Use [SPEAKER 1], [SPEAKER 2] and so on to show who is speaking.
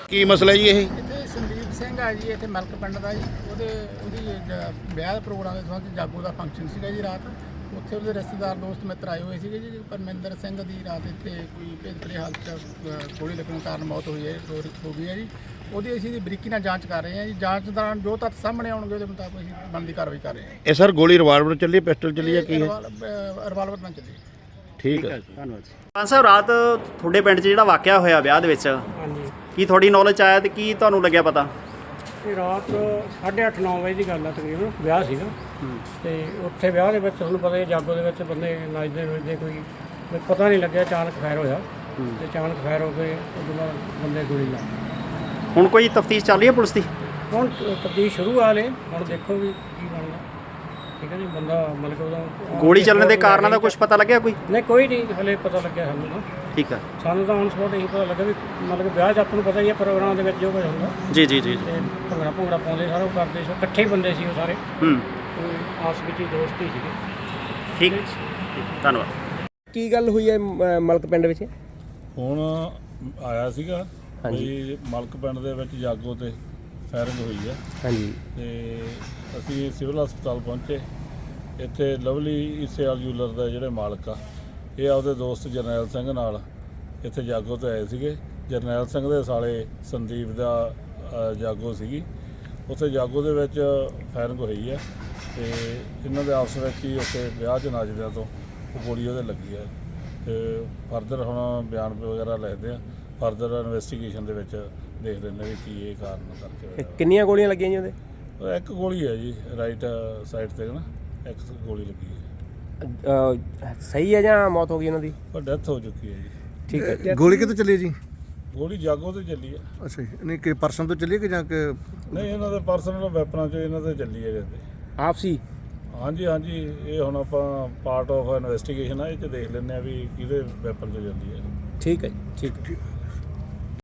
[SPEAKER 1] ਕੀ ਮਸਲਾ ਜੀ ਇਹ?
[SPEAKER 2] ਇੱਥੇ ਸੰਦੀਪ ਸਿੰਘ ਆ ਜੀ, ਇੱਥੇ ਮਲਕ ਪਿੰਡ ਦਾ ਜੀ। ਉਹਦੀ ਵਿਆਹ ਦੇ ਪ੍ਰੋਗਰਾਮ ਦੇ ਸੰਬੰਧ ਜਾਗੋ ਦਾ ਫੰਕਸ਼ਨ ਸੀਗਾ ਜੀ ਰਾਤ। ਉੱਥੇ ਉਹਦੇ ਰਿਸ਼ਤੇਦਾਰ ਦੋਸਤ ਮਿੱਤਰ ਆਏ ਹੋਏ ਸੀਗੇ ਜੀ। ਪਰਮਿੰਦਰ ਸਿੰਘ ਦੀ ਰਾਤ ਇੱਥੇ ਕੋਈ ਭੇਦਭਰੇ ਹਾਲਤ 'ਚ ਗੋਲੀ ਲੱਗਣ ਕਾਰਨ ਮੌਤ ਹੋਈ ਹੈ, ਹੋ ਗਈ ਹੈ ਜੀ। ਉਹਦੀ ਅਸੀਂ ਬਰੀਕੀ ਨਾਲ ਜਾਂਚ ਕਰ ਰਹੇ ਹਾਂ ਜੀ। ਜਾਂਚ ਦੌਰਾਨ ਜੋ ਤੱਥ ਸਾਹਮਣੇ ਆਉਣਗੇ ਉਹਦੇ ਮੁਤਾਬਕ ਅਸੀਂ ਬਣਦੀ ਕਾਰਵਾਈ ਕਰ ਰਹੇ ਹਾਂ।
[SPEAKER 1] ਇਹ ਸਰ ਗੋਲੀ ਰਿਵਾਲਵਰ ਚੱਲੀ, ਪਿਸਟਲ ਚੱਲੀ ਹੈ, ਕੀ ਹੈ?
[SPEAKER 2] ਰਿਵਾਲਵਰ ਨਾਲ ਚੱਲੀ।
[SPEAKER 1] ਠੀਕ ਹੈ,
[SPEAKER 3] ਧੰਨਵਾਦ। ਪੰਜ ਸਾਹਿਬ, ਰਾਤ ਤੁਹਾਡੇ ਪਿੰਡ 'ਚ ਜਿਹੜਾ ਵਾਕਿਆ ਹੋਇਆ ਵਿਆਹ ਦੇ ਵਿੱਚ,
[SPEAKER 4] ਹਾਂਜੀ,
[SPEAKER 3] ਕੀ ਤੁਹਾਡੀ ਨੌਲੇਜ 'ਚ ਆਇਆ ਤੇ ਕੀ ਤੁਹਾਨੂੰ ਲੱਗਿਆ ਪਤਾ?
[SPEAKER 4] ਇਹ ਰਾਤ 8:30-9 ਵਜੇ ਦੀ ਗੱਲ ਆ ਤਕਰੀਬਨ। ਵਿਆਹ ਸੀਗਾ ਤੇ ਉੱਥੇ ਵਿਆਹ ਦੇ ਵਿੱਚ ਤੁਹਾਨੂੰ ਪਤਾ ਹੀ ਜਾਗੋ ਦੇ ਵਿੱਚ ਬੰਦੇ ਨੱਚਦੇ ਨੁੱਚਦੇ, ਕੋਈ ਪਤਾ ਨਹੀਂ ਲੱਗਿਆ, ਅਚਾਨਕ ਫਾਇਰ ਹੋਇਆ ਤੇ ਅਚਾਨਕ ਫਾਇਰ ਹੋ ਕੇ ਉਦੋਂ ਬਾਅਦ ਬੰਦੇ ਗੋਲੀ ਲੱਗ ਗਈ।
[SPEAKER 3] ਹੁਣ ਕੋਈ ਤਫਤੀਸ਼ ਚੱਲ ਰਹੀ ਹੈ ਪੁਲਿਸ ਦੀ?
[SPEAKER 4] ਹੁਣ ਤਬਦੀਲ ਸ਼ੁਰੂ ਆ ਲੇ, ਹੁਣ ਦੇਖੋ ਵੀ ਕੀ ਬਣਦਾ। ਠੀਕ ਹੈ ਜੀ, ਬੰਦਾ ਮਤਲਬ ਉਦੋਂ
[SPEAKER 3] ਗੋਲੀ ਚੱਲਣ ਦੇ ਕਾਰਨਾਂ ਦਾ ਕੁਝ ਪਤਾ ਲੱਗਿਆ ਕੋਈ?
[SPEAKER 4] ਨਹੀਂ, ਕੋਈ ਨਹੀਂ ਹਲੇ ਪਤਾ ਲੱਗਿਆ ਸਾਨੂੰ ਤਾਂ।
[SPEAKER 3] ਠੀਕ ਹੈ,
[SPEAKER 4] ਸਾਨੂੰ ਤਾਂ ਹੁਣ ਸਪੋਰਟ ਇਹੀ ਪਤਾ ਲੱਗਾ ਵੀ ਮਤਲਬ ਵਿਆਹ 'ਚ ਆਪਾਂ ਨੂੰ ਪਤਾ ਹੀ ਹੈ ਪ੍ਰੋਗਰਾਮ ਦੇ ਵਿੱਚ ਜੋ ਕੁਝ ਹੁੰਦਾ।
[SPEAKER 3] ਜੀ ਜੀ ਜੀ।
[SPEAKER 4] ਤੇ ਭੰਗੜਾ ਪਾਉਂਦੇ, ਸਾਰਾ ਉਹ ਕਰਦੇ ਸੀ, ਇਕੱਠੇ ਹੀ ਬੰਦੇ ਸੀ ਉਹ ਸਾਰੇ, ਆਪਸ ਵਿੱਚ ਹੀ ਦੋਸਤ ਹੀ ਸੀਗੇ।
[SPEAKER 3] ਠੀਕ, ਧੰਨਵਾਦ।
[SPEAKER 5] ਕੀ ਗੱਲ ਹੋਈ ਹੈ ਮਲਕ ਪਿੰਡ ਵਿੱਚ?
[SPEAKER 6] ਹੁਣ ਆਇਆ ਸੀਗਾ ਵੀ ਮਲਕ ਪਿੰਡ ਦੇ ਵਿੱਚ ਜਾਗੋ ਤੇ ਫਾਇਰਿੰਗ ਹੋਈ ਹੈ।
[SPEAKER 5] ਹਾਂਜੀ,
[SPEAKER 6] ਤੇ ਅਸੀਂ ਸਿਵਲ ਹਸਪਤਾਲ ਪਹੁੰਚੇ। ਇੱਥੇ ਲਵਲੀ ਈਸੇਵਾਲ ਜੂਲਰ ਦਾ ਜਿਹੜੇ ਮਾਲਕ ਆ, ਇਹ ਆਪਦੇ ਦੋਸਤ ਜਰਨੈਲ ਸਿੰਘ ਨਾਲ ਇੱਥੇ ਜਾਗੋ ਤੇ ਆਏ ਸੀਗੇ। ਜਰਨੈਲ ਸਿੰਘ ਦੇ ਸਾਲੇ ਸੰਦੀਪ ਦਾ ਜਾਗੋ ਸੀਗੀ। ਉੱਥੇ ਜਾਗੋ ਦੇ ਵਿੱਚ ਫਾਇਰਿੰਗ ਹੋਈ ਹੈ ਤੇ ਇਹਨਾਂ ਦੇ ਆਪਸ ਵਿੱਚ ਹੀ ਉੱਥੇ ਵਿਆਹ 'ਚ ਨੱਚਦਿਆਂ ਤੋਂ ਉਹ ਗੋਲੀ ਉਹਦੇ ਲੱਗੀ ਹੈ। ਤੇ ਫਰਦਰ ਹੁਣ ਬਿਆਨ ਵਗੈਰਾ ਲਿਖਦੇ ਆ। ਫਰਦਰ ਇਨਵੈਸਟੀਗੇਸ਼ਨ ਦੇ ਵਿੱਚ ਦੇਖ ਲੈਂਦੇ ਵੀ ਕੀ ਇਹ ਕਾਰਨ ਕਰਕੇ ਹੋਇਆ।
[SPEAKER 5] ਕਿੰਨੀਆਂ ਗੋਲੀਆਂ ਲੱਗੀਆਂ ਜੀ ਉਹਦੇ?
[SPEAKER 6] ਇੱਕ ਗੋਲੀ ਹੈ ਜੀ, ਰਾਈਟ ਸਾਈਡ ਤੇ ਨਾ ਇੱਕ ਗੋਲੀ ਲੱਗੀ ਹੈ।
[SPEAKER 5] ਸਹੀ ਹੈ ਜਾਂ ਮੌਤ ਹੋ ਗਈ ਉਹਨਾਂ ਦੀ?
[SPEAKER 6] ਪਰ ਡੈਥ ਹੋ ਚੁੱਕੀ ਹੈ ਜੀ।
[SPEAKER 5] ਠੀਕ ਹੈ।
[SPEAKER 7] ਗੋਲੀ ਕਿੱਥੇ ਚੱਲੀ ਜੀ?
[SPEAKER 6] ਗੋਲੀ ਜਾਗੋ ਤੇ ਚੱਲੀ ਹੈ।
[SPEAKER 7] ਅੱਛਾ ਜੀ, ਨਹੀਂ ਕਿ ਪਰਸਨ ਤੋਂ ਚੱਲੀ ਕਿ ਜਾਂ ਕਿ
[SPEAKER 6] ਨਹੀਂ, ਇਹਨਾਂ ਦੇ ਪਰਸਨਲ ਵੈਪਨਾਂ 'ਚ ਇਹਨਾਂ ਤੇ ਚੱਲੀ ਹੈ ਕਹਿੰਦੇ।
[SPEAKER 5] ਆਪਸੀ?
[SPEAKER 6] ਹਾਂਜੀ ਹਾਂਜੀ, ਇਹ ਹੁਣ ਆਪਾਂ ਪਾਰਟ ਆਫ ਇਨਵੈਸਟੀਗੇਸ਼ਨ ਆ, ਇਹ 'ਚ ਦੇਖ ਲੈਂਦੇ ਆ ਵੀ ਕਿਹਦੇ ਵੈਪਨ 'ਚ ਚੱਲੀ ਹੈ।
[SPEAKER 5] ਠੀਕ ਹੈ ਜੀ, ਠੀਕ ਹੈ।